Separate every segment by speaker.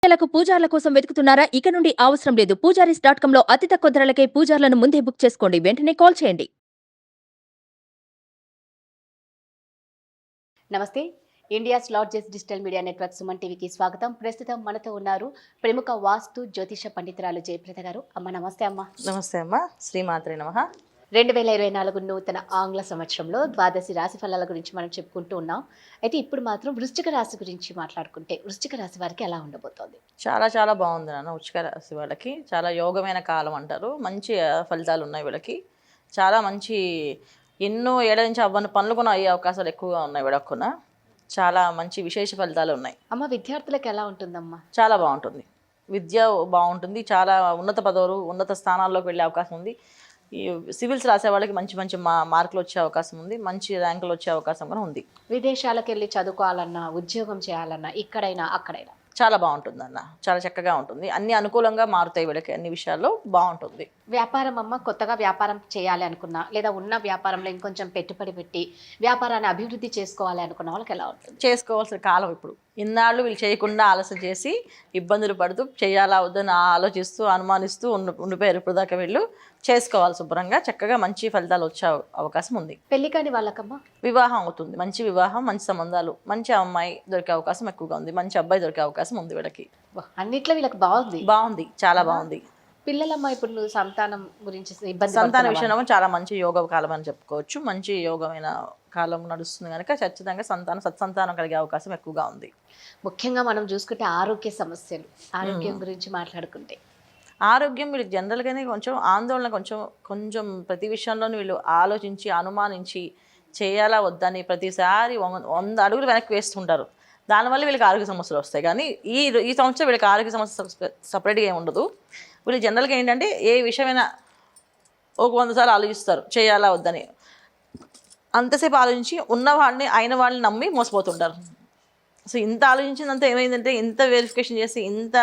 Speaker 1: లకు పూజార్ల కోసం వెతుకుతున్నారా? ఇక నుండి అవసరం లేదు. పూజారీస్.com లో అతి తక్కువ ధరలకే పూజార్లను ముందే బుక్ చేసుకోండి. వెంటనే కాల్ చేయండి.
Speaker 2: నమస్తే. India's largest digital media network Suman టీవీకి స్వాగతం. ప్రస్తుతం మనతో ఉన్నారు ప్రముఖ వాస్తు జ్యోతిష పండితురాలు జయప్రద గారు. అమ్మ నమస్తే అమ్మ.
Speaker 3: నమస్తే అమ్మ. శ్రీమాత్రే నమః.
Speaker 2: 2024 నూతన ఆంగ్ల సంవత్సరంలో ద్వాదశి రాశి ఫలాల గురించి మనం చెప్పుకుంటూ ఉన్నాం. అయితే ఇప్పుడు మాత్రం వృశ్చిక రాశి గురించి మాట్లాడుకుంటే వృశ్చిక రాశి వారికి ఎలా ఉండబోతోంది?
Speaker 3: చాలా చాలా బాగుంది నాన్న. వృశ్చిక రాశి వాళ్ళకి చాలా యోగమైన కాలం అంటారు. మంచి ఫలితాలు ఉన్నాయి వీళ్ళకి. చాలా మంచి ఎన్నో ఏళ్ళ నుంచి అవ్వని పనులు కూడా అయ్యే అవకాశాలు ఎక్కువగా ఉన్నాయి వీళ్ళకున్న. చాలా మంచి విశేష ఫలితాలు ఉన్నాయి.
Speaker 2: అమ్మ విద్యార్థులకు ఎలా ఉంటుందమ్మా?
Speaker 3: చాలా బాగుంటుంది. విద్య బాగుంటుంది. చాలా ఉన్నత పదవులు ఉన్నత స్థానాల్లోకి వెళ్ళే అవకాశం ఉంది. ఈ సివిల్స్ రాసే వాళ్ళకి మంచి మంచి మార్కులు వచ్చే అవకాశం ఉంది. మంచి ర్యాంకులు వచ్చే అవకాశం కూడా ఉంది.
Speaker 2: విదేశాలకు వెళ్ళి చదువుకోవాలన్నా, ఉద్యోగం చేయాలన్నా, ఇక్కడైనా అక్కడైనా
Speaker 3: చాలా బాగుంటుంది అన్న. చాలా చక్కగా ఉంటుంది. అన్ని అనుకూలంగా మారుతాయి వీళ్ళకి. అన్ని విషయాల్లో బాగుంటుంది.
Speaker 2: వ్యాపారం అమ్మ, కొత్తగా వ్యాపారం చేయాలి అనుకున్నా, లేదా ఉన్న వ్యాపారంలో ఇంకొంచెం పెట్టుబడి పెట్టి వ్యాపారాన్ని అభివృద్ధి చేసుకోవాలి అనుకున్న వాళ్ళకి ఎలా ఉంటుంది?
Speaker 3: చేసుకోవాల్సిన కాలం ఇప్పుడు. ఇన్నాళ్ళు వీళ్ళు చేయకుండా ఆలస్యం చేసి ఇబ్బందులు పడుతూ చేయాలా వద్దని ఆలోచిస్తూ అనుమానిస్తూ ఉండిపోయారు. ఇప్పుడు దాకా వీళ్ళు చేసుకోవాలి శుభ్రంగా. చక్కగా మంచి ఫలితాలు వచ్చే అవకాశం ఉంది.
Speaker 2: పెళ్లి కాని వాళ్ళకమ్మా
Speaker 3: వివాహం అవుతుంది. మంచి వివాహం, మంచి సంబంధాలు, మంచి అమ్మాయి దొరికే అవకాశం ఎక్కువగా ఉంది. మంచి అబ్బాయి దొరికే అవకాశం ఉంది వీళ్ళకి.
Speaker 2: అన్నిట్లో వీళ్ళకి బాగుంది.
Speaker 3: బాగుంది, చాలా బాగుంది.
Speaker 2: పిల్లలమ్మ ఇప్పుడు నువ్వు సంతానం గురించి ఇబ్బంది
Speaker 3: సంతాన విషయంలో చాలా మంచి యోగ కాలం అని చెప్పుకోవచ్చు. మంచి యోగమైన కాలం నడుస్తుంది కనుక ఖచ్చితంగా సత్సంతానం కలిగే అవకాశం ఎక్కువగా ఉంది.
Speaker 2: ముఖ్యంగా మనం చూసుకుంటే ఆరోగ్య సమస్యలు, ఆరోగ్యం గురించి మాట్లాడుకుంటే
Speaker 3: ఆరోగ్యం వీళ్ళకి జనరల్గానే కొంచెం ఆందోళన, కొంచెం ప్రతి విషయంలోనూ వీళ్ళు ఆలోచించి అనుమానించి చేయాలా వద్దని ప్రతిసారి 100 అడుగులు వెనక్కి వేస్తుంటారు. దానివల్ల వీళ్ళకి ఆరోగ్య సమస్యలు వస్తాయి. కానీ ఈ సంవత్సరం వీళ్ళకి ఆరోగ్య సమస్య సపరేట్గా ఏమి ఉండదు. వీళ్ళు జనరల్గా ఏంటంటే ఏ విషయమైనా ఒక 100 సార్లు ఆలోచిస్తారు చేయాలా వద్దని. అంతసేపు ఆలోచించి ఉన్నవాడిని అయిన వాళ్ళని నమ్మి మోసపోతుంటారు. సో ఇంత ఆలోచించినంత ఏమైందంటే ఇంత వెరిఫికేషన్ చేసి ఇంత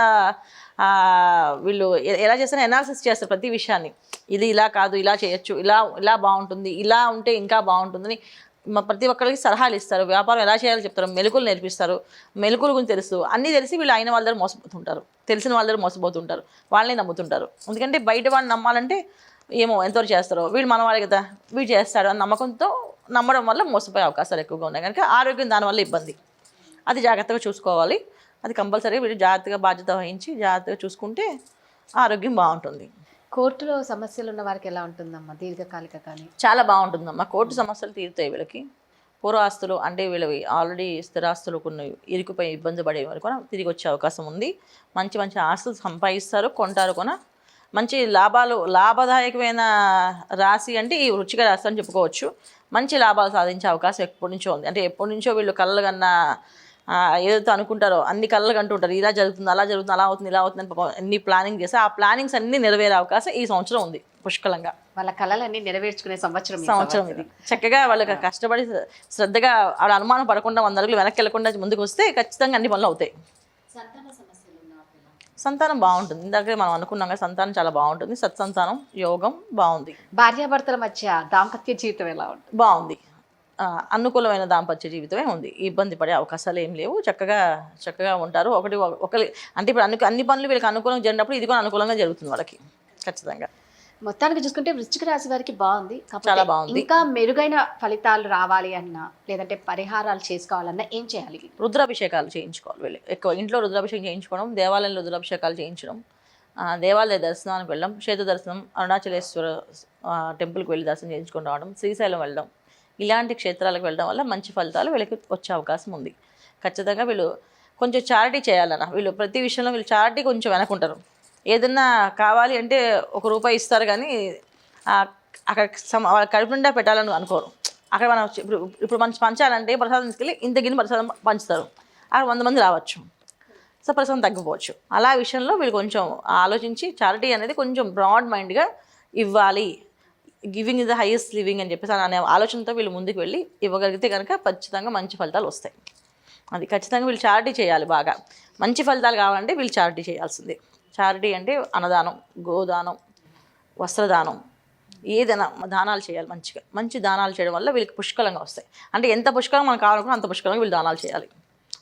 Speaker 3: వీళ్ళు ఎలా చేస్తారో అనాలిసిస్ చేస్తారు ప్రతి విషయాన్ని. ఇది ఇలా కాదు, ఇలా చేయొచ్చు, ఇలా బాగుంటుంది, ఇలా ఉంటే ఇంకా బాగుంటుందని ప్రతి ఒక్కరికి సలహాలు ఇస్తారు. వ్యాపారం ఎలా చేయాలో చెప్తారు, మెలకులు నేర్పిస్తారు. మెలకుల గురించి తెలుసు, అన్నీ తెలిసి వీళ్ళు అయిన వాళ్ళ దగ్గర మోసపోతుంటారు, తెలిసిన వాళ్ళ దగ్గర మోసపోతుంటారు, వాళ్ళని నమ్ముతుంటారు. ఎందుకంటే బయట వాళ్ళని నమ్మాలంటే ఏమో ఎంతవరకు చేస్తారో, వీళ్ళు మనవాళ్ళే కదా, వీడు చేస్తాడు అని నమ్మకంతో నమ్మడం వల్ల మోసపోయే అవకాశాలు ఎక్కువగా ఉన్నాయి. కనుక ఆరోగ్యం దానివల్ల ఇబ్బంది. అది జాగ్రత్తగా చూసుకోవాలి. అది కంపల్సరీగా వీళ్ళు జాగ్రత్తగా బాధ్యత వహించి జాగ్రత్తగా చూసుకుంటే ఆరోగ్యం బాగుంటుంది.
Speaker 2: కోర్టులో సమస్యలు ఉన్న వారికి ఎలా ఉంటుందమ్మా? దీర్ఘకాలిక కానీ
Speaker 3: చాలా బాగుంటుందమ్మా. కోర్టు సమస్యలు తీరుతాయి వీళ్ళకి. పూర్వాస్తులు అంటే వీళ్ళవి ఆల్రెడీ స్థిరాస్తులు కొన్ని ఇరుకుపోయి ఇబ్బంది పడే వరకు తిరిగి వచ్చే అవకాశం ఉంది. మంచి మంచి ఆస్తులు సంపాదిస్తారు, కొంటారు కూడా. మంచి లాభదాయకమైన రాశి అంటే ఈ వృశ్చిక రాశి అని చెప్పుకోవచ్చు. మంచి లాభాలు సాధించే అవకాశం ఎప్పటి నుంచో ఉంది. అంటే ఎప్పటి నుంచో వీళ్ళు కళ్ళ కన్నా ఏదైతే అనుకుంటారో అన్ని కళ్ళకు అంటుంటారు, ఇలా జరుగుతుంది, అలా జరుగుతుంది, అలా అవుతుంది, ఇలా అవుతుంది అని అన్ని ప్లానింగ్ చేస్తే ఆ ప్లానింగ్స్ అన్ని నెరవేరే అవకాశం ఈ సంవత్సరం ఉంది పుష్కలంగా.
Speaker 2: వాళ్ళ కళలన్నీ నెరవేర్చుకునే సంవత్సరం
Speaker 3: ఇది. చక్కగా వాళ్ళకి కష్టపడి శ్రద్ధగా వాళ్ళ అనుమానం పడకుండా 100 అడుగులు వెనక్కి వెళ్ళకుండా ముందుకు వస్తే ఖచ్చితంగా అన్ని పనులు అవుతాయి. సంతానం బాగుంటుంది. ఇందాక మనం అనుకున్నాం కదా, సంతానం చాలా బాగుంటుంది. సత్సంతానం యోగం బాగుంది.
Speaker 2: భార్యాభర్తల మధ్య దాంపత్య జీవితం ఎలా ఉంటుంది?
Speaker 3: బాగుంది. అనుకూలమైన దాంపత్య జీవితమే ఉంది. ఇబ్బంది పడే అవకాశాలు ఏం లేవు. చక్కగా ఉంటారు. ఒకరి అంటే ఇప్పుడు అన్ని పనులు వీళ్ళకి అనుకూలంగా జరిగినప్పుడు ఇది కూడా అనుకూలంగా జరుగుతుంది వాళ్ళకి ఖచ్చితంగా.
Speaker 2: మొత్తానికి చూసుకుంటే వృశ్చిక రాశి వారికి బాగుంది.
Speaker 3: చాలా బాగుంది.
Speaker 2: ఇంకా మెరుగైన ఫలితాలు రావాలి అన్నా, లేదంటే పరిహారాలు చేసుకోవాలన్నా ఏం చేయాలి?
Speaker 3: రుద్రాభిషేకాలు చేయించుకోవాలి వీళ్ళు. ఎక్కువ ఇంట్లో రుద్రాభిషేకం చేయించుకోవడం, దేవాలయంలో రుద్రాభిషేకాలు చేయించడం, దేవాలయ దర్శనానికి వెళ్ళడం, క్షేత్ర దర్శనం, అరుణాచలేశ్వర టెంపుల్కి వెళ్ళి దర్శనం చేయించుకొని రావడం, శ్రీశైలం వెళ్ళడం, ఇలాంటి క్షేత్రాలకు వెళ్ళడం వల్ల మంచి ఫలితాలు వీళ్ళకి వచ్చే అవకాశం ఉంది. ఖచ్చితంగా వీళ్ళు కొంచెం చారిటీ చేయాలన్న. వీళ్ళు ప్రతి విషయంలో వీళ్ళు చారిటీ కొంచెం వెనకుంటారు. ఏదన్నా కావాలి అంటే ₹1 ఇస్తారు, కానీ అక్కడ వాళ్ళ కడుపు నిండా పెట్టాలని అనుకోరు. అక్కడ మనం ఇప్పుడు మనం పంచాలంటే ప్రసాదం తీసుకెళ్ళి ఇంత గిన్నె ప్రసాదం పంచుతారు. అక్కడ 100 మంది రావచ్చు, సో ప్రసాదం తగ్గిపోవచ్చు. అలా విషయంలో వీళ్ళు కొంచెం ఆలోచించి చారిటీ అనేది కొంచెం బ్రాడ్ మైండ్గా ఇవ్వాలి. Giving is the highest living అని చెప్పేసి అనే ఆలోచనతో వీళ్ళు ముందుకు వెళ్ళి ఇవ్వగలిగితే కనుక ఖచ్చితంగా మంచి ఫలితాలు వస్తాయి. అది ఖచ్చితంగా వీళ్ళు చారిటీ చేయాలి. బాగా మంచి ఫలితాలు కావాలంటే వీళ్ళు చారిటీ చేయాల్సిందే. చారిటీ అంటే అన్నదానం, గోదానం, వస్త్రదానం, ఏదైనా దానాలు చేయాలి. మంచి దానాలు చేయడం వల్ల వీళ్ళకి పుష్కలంగా వస్తాయి. అంటే ఎంత పుష్కలంగా మనకు కావాలనుకున్నా అంత పుష్కలంగా వీళ్ళు దానాలు చేయాలి.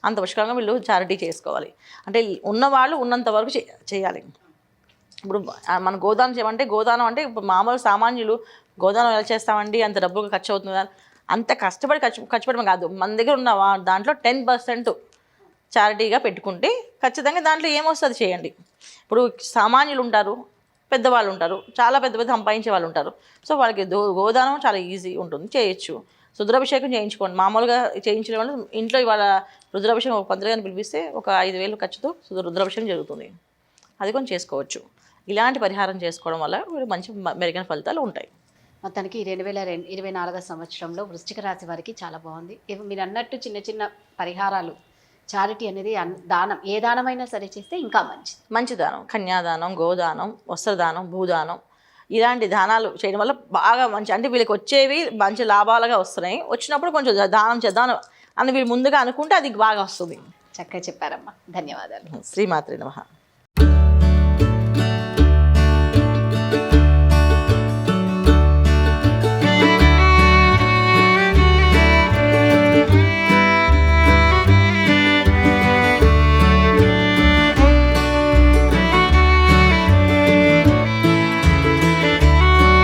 Speaker 3: అంత పుష్కలంగా వీళ్ళు చారిటీ చేసుకోవాలి. అంటే ఉన్నవాళ్ళు ఉన్నంత వరకు చేయాలి. ఇప్పుడు మన గోదానం చేయమంటే గోదానం అంటే ఇప్పుడు మామూలు సామాన్యులు గోదానం ఎలా చేస్తామండి, అంత డబ్బులు ఖర్చు అవుతుంది, అంత కష్టపడి ఖర్చు పెట్టడం కాదు. మన దగ్గర ఉన్న దాంట్లో 10% చారిటీగా పెట్టుకుంటే ఖచ్చితంగా దాంట్లో ఏమొస్తుంది చేయండి. ఇప్పుడు సామాన్యులు ఉంటారు, పెద్దవాళ్ళు ఉంటారు, చాలా పెద్ద పెద్ద సంపాదించే వాళ్ళు ఉంటారు. సో వాళ్ళకి గోదానం చాలా ఈజీ ఉంటుంది, చేయొచ్చు. రుద్రాభిషేకం చేయించుకోండి. మామూలుగా చేయించడం వల్ల ఇంట్లో ఇవాళ రుద్రాభిషేకం ఒక పంతులు గారిని పిలిపిస్తే ఒక 5,000 ఖర్చుతో రుద్రాభిషేకం జరుగుతుంది. అది కొంచెం చేసుకోవచ్చు. ఇలాంటి పరిహారం చేసుకోవడం వల్ల మంచి మెరుగైన ఫలితాలు ఉంటాయి.
Speaker 2: మొత్తానికి 2024 సంవత్సరంలో వృశ్చిక రాశి వారికి చాలా బాగుంది. మీరు అన్నట్టు చిన్న చిన్న పరిహారాలు, చారిటీ అనేది దానం, ఏ దానమైనా సరే చేస్తే ఇంకా మంచిది.
Speaker 3: మంచి దానం, కన్యాదానం, గోదానం, వస్త్రదానం, భూదానం, ఇలాంటి దానాలు చేయడం వల్ల బాగా మంచి, అంటే వీళ్ళకి వచ్చేవి మంచి లాభాలుగా వస్తున్నాయి. వచ్చినప్పుడు కొంచెం దానం చేద్దాం అని వీళ్ళు ముందుగా అనుకుంటే అది బాగా వస్తుంది.
Speaker 2: చక్కగా చెప్పారమ్మా, ధన్యవాదాలు.
Speaker 3: శ్రీమాత్రే నమః.